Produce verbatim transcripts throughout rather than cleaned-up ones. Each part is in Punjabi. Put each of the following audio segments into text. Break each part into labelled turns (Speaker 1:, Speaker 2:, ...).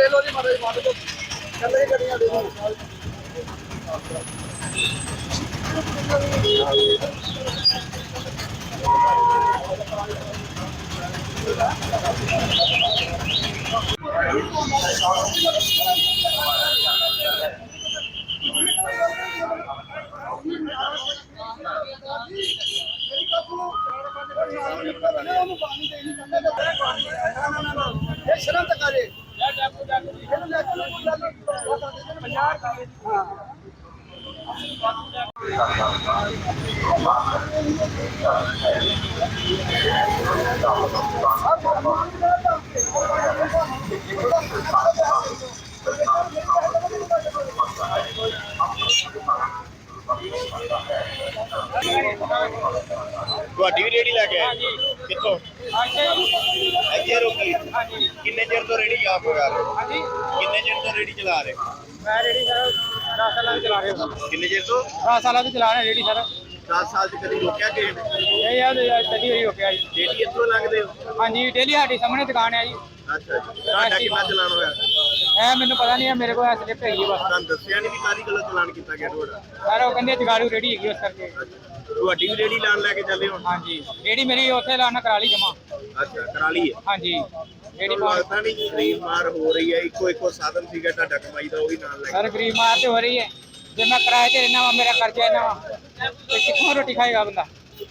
Speaker 1: देख लो जी माता जी माता को चल रही गड्डियां देखो शर्म तक आ जाए
Speaker 2: ਤੁਹਾਡੀ ਵੀ ਰੇੜੀ ਲੈ ਕੇ ਆਏ ਕਿੱਥੋਂ ਇੱਥੇ ਰੋਕੀ ਕਿੰਨੇ ਚਿਰ ਤੋਂ ਰੇੜੀ ਆਪ ਲਗਾ ਰਹੇ ਹਾਂਜੀ ਕਿੰਨੇ ਚਿਰ ਤੋਂ ਰੇੜੀ ਚਲਾ ਰਹੇ
Speaker 1: मैं रेडी सर दस साल चला रहे हो
Speaker 2: ਕਿੰਨੇ ਚਿਰ ਤੋਂ
Speaker 1: दस साल से चला रहे रेडी सर
Speaker 2: दस साल ਚ ਕਦੀ ਰੋਕਿਆ ਕਿਸੇ ਨੇ
Speaker 1: ये यार चली हुई हो गया जी
Speaker 2: ਰੇੜੀ ਇੱਥੋਂ ਲੰਘਦੇ ਹੋ
Speaker 1: हाँ जी डेली हाड़ी सामने दुकान है जी
Speaker 2: ਅੱਛਾ ਜੀ ਤੁਹਾਡਾ ਕਿੰਨਾ ਚਲਾਨ ਹੋਇਆ
Speaker 1: है मैंने पता नहीं है मेरे को स्लिप है बस
Speaker 2: ਤੁਹਾਨੂੰ ਦੱਸਿਆ ਨਹੀਂ ਵੀ ਕਾਹਦੀ ਗੱਲੋਂ ਚਲਾਨ ਕੀਤਾ ਗਿਆ ਤੁਹਾਡਾ
Speaker 1: सर वो कहते जगाड़ू रेडी है उस करके
Speaker 2: ਤੁਹਾਡੀ ਵੀ ਰੇੜੀ ਲਾਣ ਲੈ ਕੇ ਚੱਲੇ ਹੋ
Speaker 1: हाँ जी रेडी मेरी उत्थे लाना करा ली जमा
Speaker 2: ਅੱਛਾ ਕਰਾ ਲਈ ਹੈ
Speaker 1: हाँ जी रेडी
Speaker 2: ਤੁਹਾਨੂੰ ਲੱਗਦਾ ਨਹੀਂ ਗਰੀਬ ਮਾਰ ਹੋ ਰਹੀ ਹੈ ਇੱਕੋ ਇੱਕੋ ਸਾਧਨ ਸੀਗਾ ਤੁਹਾਡਾ ਕਮਾਈ ਦਾ ਉਹ ਵੀ ਨਾਲ ਲੈ
Speaker 1: सर गरीब मार तो हो रही है जब मैं किराए से रहना वा मेरा खर्चा है ना तो कितों रोटी खाएगा बंदा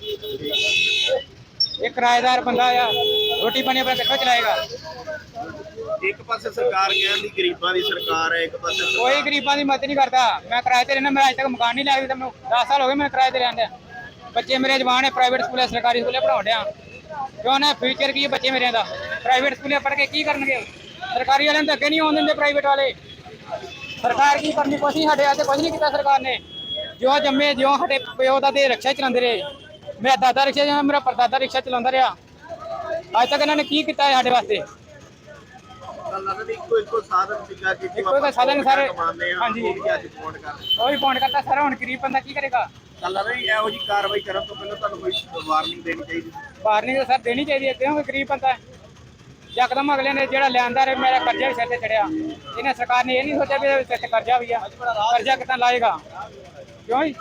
Speaker 1: ये किराएदार बंदा या रोटी पानी अपना कितों चलाएगा
Speaker 2: ਇੱਕ ਪਾਸੇ ਸਰਕਾਰ ਕਹਿੰਦੀ ਗਰੀਬਾਂ ਦੀ ਸਰਕਾਰ ਹੈ ਇੱਕ ਪਾਸੇ ਸਰਕਾਰ-
Speaker 1: कोई गरीबों की मदद नहीं करता मैं किराए से रहना मैं आज तक मकान नहीं लिया मैं दस साल हो गए मैं किराए से रहने बच्चे मेरे जवान है प्राइवेट स्कूल सरकारी स्कूल पढ़ाओ दिया क्यों ना फ्यूचर की बच्चे मेरे का प्राइवेट स्कूल पढ़ के की करनगे सरकारी वाले तो अगे नहीं आने देंगे प्राइवेट वाले सरकार की करनी कुछ नहीं हटे कुछ नहीं किया सरकार ने जो जम्मे जो हटे प्यो का रिक्शा चलाते रहे मेरा दादा रिक्शा मेरा परदादा रिक्शा चलाता रहा अज तक इन्होंने की किया साढ़े वास्ते
Speaker 2: ਇੱਕੋ ਇੱਕੋ ਸਾਧਨ ਸੀਗਾ ਕਿ
Speaker 1: ਇੱਕੋ ਇੱਕੋ ਸਾਧਨ ਸਾਰੇ
Speaker 2: ਕਮਾਉਂਦੇ ਆ
Speaker 1: ਹਾਂਜੀ।
Speaker 2: ਉਹ ਵੀ ਅੱਜ ਫੋਨ ਕਰ
Speaker 1: ਉਹ ਵੀ ਫੋਨ ਕਰਤਾ ਸਰ ਹੁਣ ਗਰੀਬ ਬੰਦਾ ਕੀ ਕਰੇਗਾ
Speaker 2: ਚੱਲ ਰਿਹਾ ਇਹੋ ਜੀ ਕਾਰਵਾਈ ਕਰਨ ਤੋਂ ਪਹਿਲਾਂ ਤੁਹਾਨੂੰ ਕੋਈ ਵਾਰਨਿੰਗ ਦੇਣੀ ਚਾਹੀਦੀ
Speaker 1: ਵਾਰਨਿੰਗ ਤਾਂ ਸਰ ਦੇਣੀ ਚਾਹੀਦੀ ਹੈ ਕਿਉਂਕਿ ਗਰੀਬ ਬੰਦਾ ਹੈ ਯਕਦਮ ਅਗਲੇ ਨੇ ਜਿਹੜਾ ਲਿਆਂਦਾ ਰੇ ਮੇਰਾ ਕਰਜ਼ਾ ਵੀ ਸਿਰ ਤੇ ਚੜਿਆ ਇਹਨੇ ਸਰਕਾਰ ਨੇ ਇਹ ਨਹੀਂ ਸੋਚਿਆ ਵੀ ਇਹਦੇ ਸਿਰ ਤੇ ਕਰਜ਼ਾ ਵੀ ਆ ਕਰਜ਼ਾ ਕਿੱਦਾਂ ਲਾਏਗਾ ਕਿਉਂ ਜੀ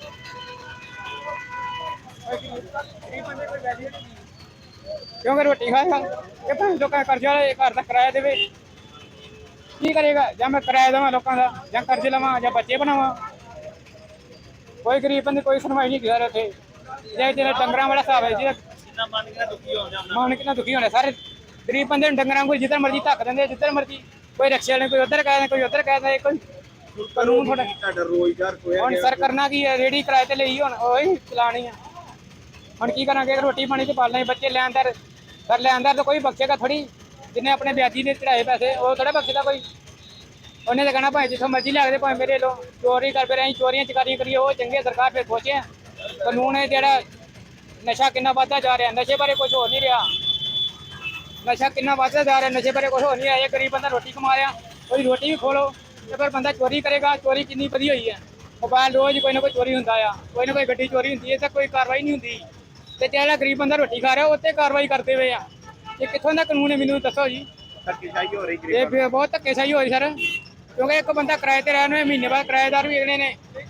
Speaker 1: ਗਰੀਬ ਬੰਦੇ ਕੋਈ ਵੈਲਿਊ ਨਹੀਂ ਕਿਉਂਕਿ ਰੋਟੀ ਖਾਏਗਾ ਕਿ ਭਾਵੇਂ ਲੋਕਾਂ ਦਾ ਕਰਜ਼ਾ ਵਾਲੇ ਘਰ ਦਾ ਕਿਰਾਇਆ ਦੇਵੇ ਕੀ ਕਰੇਗਾ ਜਾਂ ਮੈਂ ਕਿਰਾਇਆ ਦੇਵਾਂ ਲੋਕਾਂ ਦਾ ਜਾਂ ਕਰਜ਼ੇ ਲਵਾਂ ਜਾਂ ਬੱਚੇ ਬਣਾਵਾਂ ਕੋਈ ਗਰੀਬ ਬੰਦੇ ਕੋਈ ਸੁਣਵਾਈ ਨਹੀਂ ਕਰ ਰਹੇ ਜੇ ਜਿਹੜਾ ਡੰਗਰਾਂ ਵਾਲਾ ਹਿਸਾਬ ਹੈ ਜਿਹਦਾ
Speaker 2: ਜਿੰਨਾ ਮਨ ਕਿੰਨਾ ਦੁਖੀ ਹੋ ਜਾਂਦਾ
Speaker 1: ਮਨ ਕਿੰਨਾ ਦੁਖੀ ਹੋਣਾ ਸਾਰੇ ਗਰੀਬ ਬੰਦੇ ਨੂੰ ਡੰਗਰਾਂ ਕੋਈ ਜਿੱਧਰ ਮਰਜ਼ੀ ਧੱਕ ਦਿੰਦੇ ਜਿੱਧਰ ਮਰਜ਼ੀ ਕੋਈ ਰਿਕਸ਼ੇ ਵਾਲੇ ਕੋਈ ਉੱਧਰ ਕਹਿ ਦਿੰਦੇ ਕੋਈ ਉੱਧਰ ਕਹਿ ਦਿੰਦੇ ਕੋਈ ਕਾਨੂੰਨ ਥੋੜਾ
Speaker 2: ਤੁਹਾਡਾ ਰੋਜ਼ਗਾਰ ਖੋਇਆ
Speaker 1: ਹੁਣ ਸਰ ਕਰਨਾ ਕੀ ਹੈ ਰੇੜੀ ਕਿਰਾਏ ਤੇ ਲਈ ਹੁਣ ਉਹੀ ਚਲਾਣੀ ਆ ਹੁਣ ਕੀ ਕਰਾਂਗੇ ਰੋਟੀ ਪਾਣੀ ਤੇ ਪਾਲਣਾ ਬੱਚੇ ਲੈਂਦਰ ਸਰ ਲੈਂਦਰ ਤਾਂ ਕੋਈ ਬਖਸ਼ੇਗਾ ਥੋੜੀ ਜਿੰਨੇ ਆਪਣੇ ਵਿਆਜੀ ਦੇ ਚੜਾਏ ਪੈਸੇ ਉਹ ਥੋੜਾ ਬਖਸ਼ਦਾ ਕੋਈ ਉਹਨੇ ਤਾਂ ਕਹਿਣਾ ਭਾਵੇਂ ਜਿੱਥੋਂ ਮਰਜ਼ੀ ਲੱਗਦੇ ਭਾਵੇਂ ਮੇਰੇ ਲੋ ਚੋਰੀ ਕਰ ਫਿਰ ਅਸੀਂ ਚੋਰੀਆਂ ਚਕਾਰੀਆਂ ਕਰੀਏ ਉਹ ਚੰਗੇ ਸਰਕਾਰ ਫਿਰ ਸੋਚੇ ਕਾਨੂੰਨ ਹੈ ਜਿਹੜਾ ਨਸ਼ਾ ਕਿੰਨਾ ਵੱਧਦਾ ਜਾ ਰਿਹਾ ਨਸ਼ੇ ਬਾਰੇ ਕੁਝ ਹੋ ਨਹੀਂ ਰਿਹਾ ਨਸ਼ਾ ਕਿੰਨਾ ਵੱਧਦਾ ਜਾ ਰਿਹਾ ਨਸ਼ੇ ਬਾਰੇ ਕੁਝ ਹੋ ਨਹੀਂ ਰਿਹਾ ਇਹ ਗਰੀਬ ਬੰਦਾ ਰੋਟੀ ਕਮਾ ਰਿਹਾ ਉਹਦੀ ਰੋਟੀ ਵੀ ਖੋਲੋ ਤੇ ਫਿਰ ਬੰਦਾ ਚੋਰੀ ਕਰੇਗਾ ਚੋਰੀ ਕਿੰਨੀ ਵਧੀ ਹੋਈ ਹੈ ਮੋਬਾਈਲ ਰੋਜ਼ ਕੋਈ ਨਾ ਕੋਈ ਚੋਰੀ ਹੁੰਦਾ ਆ ਕੋਈ ਨਾ ਕੋਈ ਗੱਡੀ ਚੋਰੀ ਹੁੰਦੀ ਹੈ ਤਾਂ ਕੋਈ ਕਾਰਵਾਈ ਨਹੀਂ ਹੁੰਦੀ ਤੇ ਜਿਹੜਾ ਗਰੀਬ ਬੰਦਾ ਰੋਟੀ ਖਾ ਰਿਹਾ ਉੱਤੇ ਕਾਰਵਾਈ ਕਰਦੇ ਹੋਏ ਆ ਇਹ ਕਿੱਥੋਂ ਦਾ ਕਾਨੂੰਨ ਹੈ ਮੈਨੂੰ ਦੱਸੋ ਜੀ
Speaker 2: ਧੱਕੇਸ਼ਾਹੀ ਹੋ ਰਹੀ
Speaker 1: ਇਹ ਫਿਰ ਬਹੁਤ ਧੱਕੇਸ਼ਾਹੀ ਹੋਈ ਸਰ ਕਿਉਂਕਿ ਇੱਕ ਬੰਦਾ ਕਿਰਾਏ ਤੇ ਰਹਿਣ ਨੂੰ ਮਹੀਨੇ ਬਾਅਦ ਕਿਰਾਏਦਾਰ ਵੀ ਅਗਲੇ ਨੇ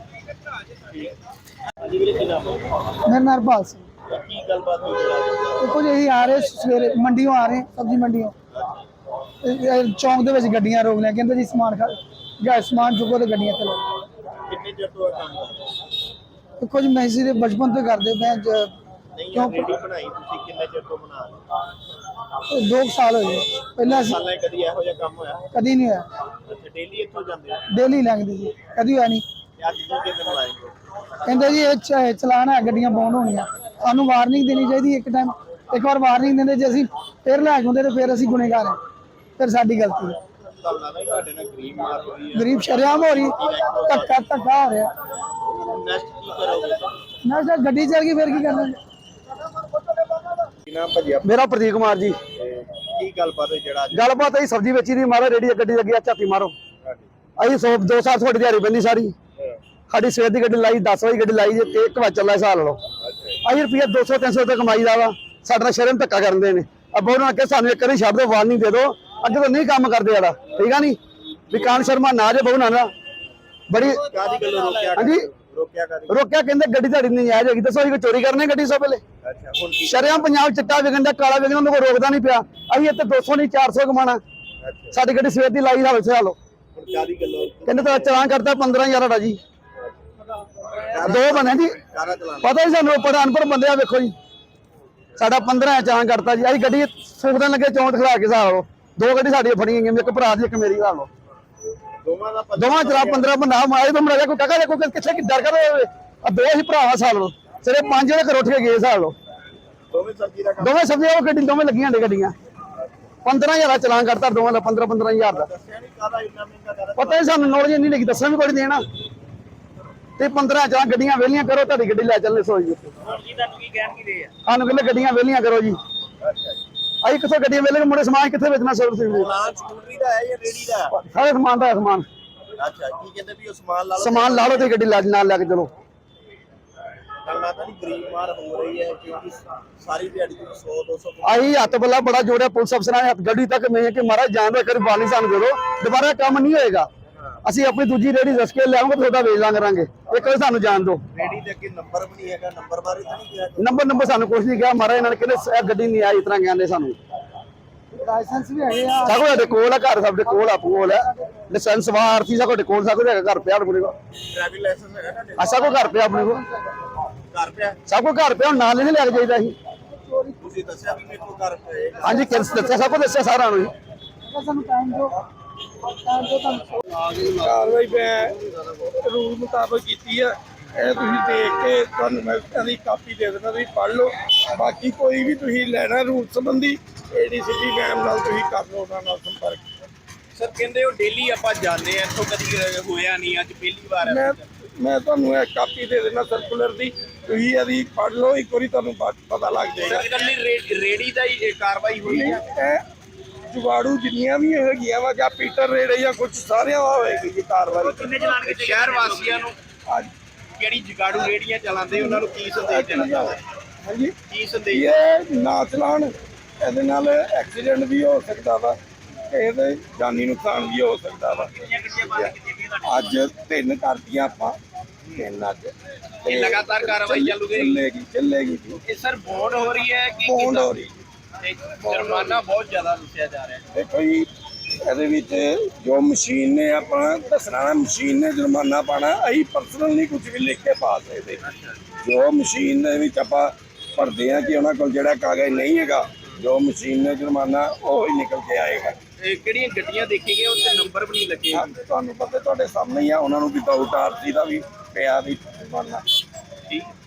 Speaker 3: मेरा नाम हरपाल सिंह
Speaker 2: ਕੀ ਗੱਲਬਾਤ ਹੋਈ
Speaker 3: देखो जी यही आ रहे सवेरे मंडियों आ रहे सब्जी मंडियों चौंक दे विच गड्डियां रोक लिया कहंदे जी समान खा गया समान चुको ते गड्डियां चलो
Speaker 2: ਕਿੰਨੇ ਚਿਰ ਤੋਂ ਇਹ ਕੰਮ ਕਰ ਰਹੇ
Speaker 3: देखो जी मैं इसी दे बचपन तो करदे मैं
Speaker 2: ਨਹੀਂ
Speaker 3: ਕਿਉਂ?
Speaker 2: ਇਹ ਰੇੜੀ ਬਣਾਈ ਤੁਸੀਂ ਕਿੰਨੇ ਚਿਰ ਤੋਂ ਬਣਾ ਰਹੇ
Speaker 3: दो साल हो गए पहले असीं
Speaker 2: ਸਾਲਾਂ 'ਚ ਕਦੀ ਇਹੋ ਜਿਹਾ ਕੰਮ ਹੋਇਆ
Speaker 3: कदी नहीं होया
Speaker 2: ਅੱਛਾ ਡੇਲੀ ਇੱਥੋਂ ਜਾਂਦੇ ਹੋ
Speaker 3: डेली लंघदी जी कदी होया नहीं
Speaker 2: ਤੇ ਅੱਜ ਦੂਜੇ ਦਿਨ ਲਾਏਗੇ
Speaker 3: कहंदे जी ਇਹ ਚ- ਚਲਾਨ ਹੈ ਗੱਡੀਆਂ ਬੌਂਡ ਹੋਣੀਆਂ ਸਾਨੂੰ ਵਾਰਨਿੰਗ ਦੇਣੀ ਚਾਹੀਦੀ ਇੱਕ ਟਾਈਮ ਇੱਕ ਵਾਰ ਵਾਰਨਿੰਗ ਦਿੰਦੇ ਜੇ ਅਸੀਂ ਫਿਰ ਲੈ ਜਾਂਦੇ ਤੇ ਫਿਰ ਅਸੀਂ ਗੁਨੇਗਾਰ ਹਾਂ ਫਿਰ ਸਾਡੀ ਗਲਤੀ ਹੈ
Speaker 2: ਤੁਹਾਨੂੰ ਲੱਗਦਾ ਨਹੀਂ ਤੁਹਾਡੇ ਨਾਲ ਗਰੀਬ ਮਾਰ ਹੋਈ ਹੈ
Speaker 3: ਗਰੀਬ ਸ਼ਰਿਆਮ ਹੋ ਰਹੀ ਧੱਕਾ ਧੱਕਾ ਹੋ ਰਿਹਾ
Speaker 2: ਨੈਕਸਟ ਕੀ ਕਰੋਗੇ
Speaker 3: ਨਾ ਸਰ ਗੱਡੀ ਚੱਲ ਗਈ ਫਿਰ ਕੀ ਕਰਨਾ
Speaker 2: ਕੀ ਨਾਮ ਭਜਿਆ
Speaker 3: ਮੇਰਾ ਪ੍ਰਦੀਪ ਕੁਮਾਰ ਜੀ
Speaker 2: ਕੀ ਗੱਲਬਾਤ ਹੈ ਜਿਹੜਾ ਅੱਜ
Speaker 3: ਗੱਲਬਾਤ ਹੈ ਸਬਜ਼ੀ ਵੇਚੀ ਦੀ ਮਾਰੋ ਰੇੜੀ ਗੱਡੀ ਲੱਗੀ ਆ ਝਾਤੀ ਮਾਰੋ ਅਸੀਂ ਸੌ ਦੋ ਸਾਲ ਤੁਹਾਡੀ ਦਿਹਾੜੀ ਬੰਦੀ ਸਾਰੀ ਸਾਡੀ ਸਵੇਰ ਦੀ ਗੱਡੀ ਲਾਈ ਦਸ ਵਜੇ ਗੱਡੀ ਲਾਈ ਜੇ ਤੇ ਇੱਕ ਵਜੇ ਚੱਲਾ ਹਿਸਾਬ ਲਓ ਅਸੀਂ ਰੁਪਈਆ ਦੋ ਸੌ ਤਿੰਨ ਸੌ ਰੁਪਏ ਕਮਾਈ ਦਾ ਵਾ ਸਾਡੇ ਨਾਲ ਸ਼ਰਮ ਧੱਕਾ ਕਰਦੇ ਨੇ ਅੱਬਾ ਉਹਨਾਂ ਕੇ ਸਾਨੂੰ ਇੱਕ ਵਾਰੀ ਛੱਡ ਦਿਓ ਵਾਰਨਿੰਗ ਦੇ ਦਿਓ ਅੱਗੇ ਤੋਂ ਨਹੀਂ ਕੰਮ ਕਰਦੇ ਆੜਾ ਠੀਕ ਆ ਨਹੀਂ ਵਿਕਾਨ ਸ਼ਰਮਾ ਨਾ ਜੇ ਬਹੁ ਨਾ ਨਾ ਬੜੀ
Speaker 2: ਕਾਦੀ ਗੱਲੋਂ ਰੋਕਿਆ
Speaker 3: ਹਾਂਜੀ
Speaker 2: ਰੋਕਿਆ ਕਾਦੀ
Speaker 3: ਰੋਕਿਆ ਕਹਿੰਦੇ ਗੱਡੀ ਤੁਹਾਡੀ ਨਹੀਂ ਆਇਆ ਜਾਏਗੀ ਦੱਸੋ ਅਸੀਂ ਚੋਰੀ ਕਰਨੇ ਗੱਡੀ ਸੋ ਪਹਿਲੇ
Speaker 2: ਅੱਛਾ ਹੁਣ ਕੀ
Speaker 3: ਸ਼ਰਿਆਮ ਪੰਜਾਬ ਚਿੱਟਾ ਵਿਕਣ ਦਾ ਕਾਲਾ ਵਿਕਣ ਉਹਨੂੰ ਕੋਈ ਰੋਕਦਾ ਨਹੀਂ ਪਿਆ ਅਸੀਂ ਇੱਥੇ ਦੋ ਸੌ ਨਹੀਂ ਚਾਰ ਸੌ ਕਮਾਣਾ
Speaker 2: ਅੱਛਾ
Speaker 3: ਸਾਡੀ ਗੱਡੀ ਸਵੇਰ ਦੀ ਲਾਈ ਹਾਲ ਸੇ ਹਾਲੋ
Speaker 2: ਹੁਣ ਕਾਦੀ ਗੱਲੋਂ
Speaker 3: ਕਹਿੰਦੇ ਤਾਂ ਚਲਾਨ ਕਰਤਾ ਪੰਦਰਾਂ ਹਜ਼ਾਰ ਦਾ ਜੀ ਦੋ ਬਣੇ ਜੀ
Speaker 2: ਕਾਰਾ ਚਲਾਣਾ
Speaker 3: ਪਤਾ ਹੀ ਸਾਨੂੰ ਪੜਾ ਅਨਪੜ ਬੰਦੇ ਆ ਵੇਖੋ ਜੀ ਸਾਡਾ ਪੰਦਰਾਂ ਚਲਾਨ ਕਰਤਾ ਜੀ ਅਸੀਂ ਗੱਡੀ ਫੂਕਣ ਲੱਗੇ ਚੌਂਟ ਖਲਾ ਕੇ ਹਿਸਾਬ ਲਓ ਦੋ ਗੱਡੀ ਸਾਡੀਆਂ ਫੜੀਆਂ ਗਈਆਂ ਇੱਕ ਭਰਾ ਦੀ ਇੱਕ ਮੇਰੀ ਹਿਸਾਬ ਲਓ
Speaker 2: ਦੋਵਾਂ ਦਾ ਪਤਾ
Speaker 3: ਦੋਵਾਂ ਚਲਾ ਪੰਦਰਾਂ ਬੰਦਾ ਮਾਰੇ ਤੋਂ ਮਰਿਆ ਕੋਈ ਕਾਕਾ ਦੇਖੋ ਕਿੱਥੇ ਕਿ ਡਰ ਕਰ ਆ ਦੋ ਹੀ ਭਰਾਵਾ ਸਾਲ ਲਓ ਸਿਰੇ ਪੰਜ ਵਜੇ ਘਰ ਉੱਠ ਕੇ ਗਏ ਹਿਸਾਬ ਲਓ
Speaker 2: ਦੋਵੇਂ ਸਬਜ਼ੀ ਦਾ ਕੰਮ
Speaker 3: ਦੋਵੇਂ ਸਬਜ਼ੀਆਂ ਉਹ ਗੱਡੀ ਦੋਵੇਂ ਲੱਗੀਆਂ ਨੇ ਗੱਡੀਆਂ ਪੰਦਰਾਂ ਹਜ਼ਾਰ ਦਾ ਚਲਾਨ ਕਰਤਾ ਦੋਵਾਂ ਦਾ ਪੰਦਰਾਂ ਪੰਦਰਾਂ ਹਜ਼ਾਰ ਦਾ
Speaker 2: ਦੱਸਿਆ ਨਹੀਂ ਕਾਦਾ ਇੰਨਾ ਮਹਿੰਗਾ ਕਾਰਾ
Speaker 3: ਪਤਾ ਹੀ ਸਾਨੂੰ ਨੌਲੇਜ ਨਹੀਂ ਲੱਗੀ ਦੱਸਣ ਵੀ ਕੋਈ ਨਹੀਂ ਦੇਣਾ ਤੇ ਪੰਦਰਾਂ ਚਲਾ ਗੱਡੀਆਂ ਵਿਹਲੀਆਂ ਕਰੋ ਤੁਹਾਡੀ ਗੱਡੀ ਲੈ ਚੱਲਨੇ ਸੋਈ ਜੀ
Speaker 2: ਹੁਣ ਕੀ ਤੁਹਾਨੂੰ ਕੀ ਕਹਿਣ ਕੀ ਦੇ ਆ
Speaker 3: ਸਾਨੂੰ ਕਹਿੰਦੇ ਗੱਡੀਆਂ ਵਿਹਲੀਆਂ ਕਰੋ ਜੀ
Speaker 2: ਅੱਛਾ ਜੀ
Speaker 3: ਅਸੀਂ ਕਿੱਥੋਂ ਗੱਡੀਆਂ ਵਿਹਲੇ ਮੁੰਡੇ ਸਮਾਨ ਕਿੱਥੇ ਵੇਚਣਾ ਸਰਵਿਸ ਦੇ
Speaker 2: ਪਲਾਨ ਸਕੂਟਰੀ ਦਾ ਹੈ ਜਾਂ ਰੇੜੀ ਦਾ
Speaker 3: ਸਾਰੇ ਸਮਾਨ ਦਾ ਹੈ ਸਮਾਨ
Speaker 2: ਅੱਛਾ ਕੀ ਕਹਿੰਦੇ ਵੀ ਉਹ ਸਮਾਨ ਲਾ ਲਓ
Speaker 3: ਸਮਾਨ ਲਾ ਲਓ ਤੇ ਗੱਡੀ ਲੈ ਨਾਲ ਲੈ ਕੇ ਚਲੋ
Speaker 2: ਗੱਲ ਆ ਤਾਂ ਨਹੀਂ ਗਰੀਬ ਮਾਰ ਹੋ ਰਹੀ ਹੈ ਕਿਉਂਕਿ ਸਾਰੀ ਦਿਹਾੜੀ ਤੋਂ ਸੌ ਦੋ ਸੌ
Speaker 3: ਆਹੀ ਹੱਥ ਬੱਲਾ ਬੜਾ ਜੋੜਿਆ ਪੁਲਿਸ ਅਫਸਰਾਂ ਨੇ ਹੱਥ ਗੱਡੀ ਤੱਕ ਮੈਂ ਕਿ ਮਹਾਰਾਜ ਜਾਨ ਦਾ ਕਰੀ ਬਾਣੀ ਸਾਨੂੰ ਦੇ ਦਿਓ ਦੁਬਾਰਾ ਕੰਮ ਨਹੀਂ ਹੋਏਗਾ ਅਸੀਂ ਆਪਣੀ ਦੂਜੀ ਰੇੜੀ ਰਸ ਕੇ ਲਿਆਵਾਂਗੇ ਤੁਹਾਡਾ ਵੇਚ ਲਾਂ ਕਰਾਂਗੇ ਇੱਕ ਵਾਰ ਸਾਨੂੰ ਜਾਣ ਦਿਓ
Speaker 2: ਰੇੜੀ ਦੇ ਅੱਗੇ ਨੰਬਰ ਵੀ ਨਹੀਂ ਹੈਗਾ ਨੰਬਰ ਬਾਰੇ ਤਾਂ ਨਹੀਂ ਕਿਹਾ
Speaker 3: ਨੰਬਰ ਨੰਬਰ ਸਾਨੂੰ ਕੁਝ ਨਹੀਂ ਕਿਹਾ ਮਹਾਰਾਜ ਇਹਨਾਂ ਨੇ ਕਹਿੰਦੇ ਇਹ ਗੱਡੀ ਨਹੀਂ ਆਈ ਇਸ ਤਰ੍ਹਾਂ ਕਹਿੰਦੇ ਸਾਨੂੰ ਲਾਇਸੈਂਸ ਵੀ ਹੈਗੇ ਆ ਸਾਡੇ ਕੋਲ ਕੋਲ ਆ ਘਰ ਸਾਡੇ ਕੋਲ ਆ ਕੋਲ ਆ ਲਾਇਸੈਂਸ ਵਾਰਤੀ ਸਾਡੇ ਕੋਲ ਸਾਡੇ ਕੋਲ ਹੈਗਾ ਘਰ ਪਿਆ ਆਪਣੇ ਕੋਲ
Speaker 2: ਡਰਾਈਵਿੰਗ ਲਾਇਸੈਂਸ ਹੈਗਾ ਤੁਹਾਡੇ
Speaker 3: ਅਸਾ ਕੋ ਘਰ ਪਿਆ ਆਪਣੇ ਕੋਲ
Speaker 2: ਘਰ ਪਿਆ
Speaker 3: ਸਭ ਕੋ ਘਰ ਪਿਆ ਹੁਣ ਨਾਲ ਨਹੀਂ ਲੈ ਕੇ ਜਾਈਦਾ ਸੀ
Speaker 2: ਤੁਸੀਂ ਦੱਸਿਆ ਵੀ ਮੇਰੇ ਕੋਲ ਘਰ ਪਿਆ ਹੈ
Speaker 3: ਹਾਂਜੀ ਕਿਰਸ ਦੱਸਿਆ ਸਭ ਕੋ ਦੱਸਿਆ ਸਾਰਾ ਨੂੰ
Speaker 1: ਸਾਨੂੰ ਟਾਈਮ ਦਿਓ ਟਾਈਮ ਦਿਓ ਤੁਹਾਨੂੰ
Speaker 4: ਕਾਰਵਾਈ ਮੈਂ ਰੂਲ ਮੁਤਾਬਕ ਕੀਤੀ ਹੈ ਇਹ ਤੁਸੀਂ ਦੇਖ ਕੇ ਤੁਹਾਨੂੰ ਮੈਂ ਇਹਦੀ ਕਾਪੀ ਦੇ ਦੇਣਾ ਤੁਸੀਂ ਪੜ੍ਹ ਲਓ ਬਾਕੀ ਕੋਈ ਵੀ ਤੁਸੀਂ ਲੈਣਾ ਰੂਲ ਸੰਬੰਧੀ ਏਡੀਸੀਪੀ ਮੈਮ ਨਾਲ ਤੁਸੀਂ ਕਰ ਲਓ ਉਹਨਾਂ ਨਾਲ ਸੰਪਰਕ
Speaker 2: ਸਰ ਕਹਿੰਦੇ ਉਹ ਡੇਲੀ ਆਪਾਂ ਜਾਂਦੇ ਆ ਇੱਥੋਂ ਕਦੀ ਹੋਇਆ ਨਹੀਂ ਅੱਜ ਪਹਿਲੀ ਵਾਰ
Speaker 4: ਮੈਂ ਮੈਂ ਤੁਹਾਨੂੰ ਇਹ ਕਾਪੀ ਦੇ ਦੇਣਾ ਸਰਕੂਲਰ ਦੀ ਤੁਸੀਂ ਇਹਦੀ ਪੜ੍ਹ ਲਓ ਇੱਕ ਵਾਰੀ ਤੁਹਾਨੂੰ ਬਾਅਦ ਪਤਾ ਲੱਗ ਜਾਏਗਾ
Speaker 2: ਸਰ ਇਕੱਲੀ ਰੇ- ਰੇੜੀ ਦਾ ਹੀ ਇਹ ਕਾਰਵਾਈ ਹੋਈ ਹੈ
Speaker 4: ਇਹ ਜੁਗਾੜੂ ਜਿੰਨੀਆਂ ਵੀ ਹੈਗੀਆਂ ਵਾ ਜਾਂ ਪੀਟਰ ਰੇੜੇ ਜਾਂ ਕੁਝ ਸਾਰਿਆਂ ਦਾ ਹੋਏਗੀ ਜੀ ਕਾਰਵਾਈ
Speaker 2: ਕਿੰਨੇ ਚਲਾਨ ਸ਼ਹਿਰ ਵਾਸੀਆਂ ਨੂੰ
Speaker 4: ਅੱਜ
Speaker 2: ਜਿਹੜੀ ਜਗਾੜੂ ਰੇੜੀਆਂ ਚਲਾਉਂਦੇ ਉਹਨਾਂ ਨੂੰ ਕੀ ਸੰਦੇਸ਼ ਦੇਣਾ ਚਾਹੁੰਦੇ
Speaker 4: ਹਾਂਜੀ
Speaker 2: ਕੀ ਸੰਦੇਸ਼
Speaker 4: ਇਹ ਨਾ ਚਲਾਉਣ ਇਹਦੇ ਨਾਲ ਐਕਸੀਡੈਂਟ ਵੀ ਹੋ ਸਕਦਾ ਵਾ ਤੇ ਇਹਦੇ ਜਾਨੀ ਨੁਕਸਾਨ ਵੀ ਹੋ ਸਕਦਾ ਵਾ ਅੱਜ ਤਿੰਨ ਕਰਤੀਆਂ ਆਪਾਂ ਤਿੰਨ ਅੱਜ
Speaker 2: ਇਹ ਲਗਾਤਾਰ ਕਾਰਵਾਈ ਚੱਲੂਗੀ
Speaker 4: ਚੱਲੇਗੀ ਚੱਲੇਗੀ ਜੀ
Speaker 2: ਇਹ ਸਰ ਬੌਂਡ ਹੋ ਰਹੀ ਹੈ ਕਿ
Speaker 4: ਬੌਂਡ ਹੋ ਰਹੀ
Speaker 2: ਤੇ ਜੁਰਮਾਨਾ ਬਹੁਤ ਜ਼ਿਆਦਾ ਦੱਸਿਆ ਜਾ ਰਿਹਾ ਹੈ
Speaker 4: ਦੇਖੋ ਜੀ ਇਹਦੇ ਵਿੱਚ ਜੋ ਮਸ਼ੀਨ ਨੇ ਆਪਣਾ ਦੱਸਣਾ ਨਾ ਮਸ਼ੀਨ ਨੇ ਜੁਰਮਾਨਾ ਪਾਣਾ ਅਸੀਂ ਪਰਸਨਲ ਨਹੀਂ ਕੁਝ ਵੀ ਲਿਖ ਕੇ ਪਾ ਸਕਦੇ ਜੋ ਮਸ਼ੀਨ ਦੇ ਵਿੱਚ ਆਪਾਂ ਭਰਦੇ ਆ ਕਿ ਉਹਨਾਂ ਕੋਲ ਜਿਹੜਾ ਕਾਗਜ਼ ਨਹੀਂ ਹੈਗਾ ਜੋ ਮਸ਼ੀਨ ਨੇ ਜੁਰਮਾਨਾ ਉਹ ਹੀ ਨਿਕਲ ਕੇ ਆਏਗਾ
Speaker 2: ਇਹ ਕਿਹੜੀਆਂ ਗੱਡੀਆਂ ਦੇਖੀ ਗਈਆਂ ਉੱਤੇ ਨੰਬਰ ਵੀ ਨਹੀਂ ਲੱਗੇ
Speaker 4: ਹਾਂ, ਤੁਹਾਨੂੰ ਪਤਾ ਤੁਹਾਡੇ ਸਾਹਮਣੇ ਹੀ ਆ ਉਹਨਾਂ ਨੂੰ ਵੀ ਵਿਦਆਊਟ ਆਰਸੀ ਦਾ ਵੀ ਪਿਆ ਵੀ ਜੁਰਮਾਨਾ
Speaker 2: ਠੀਕ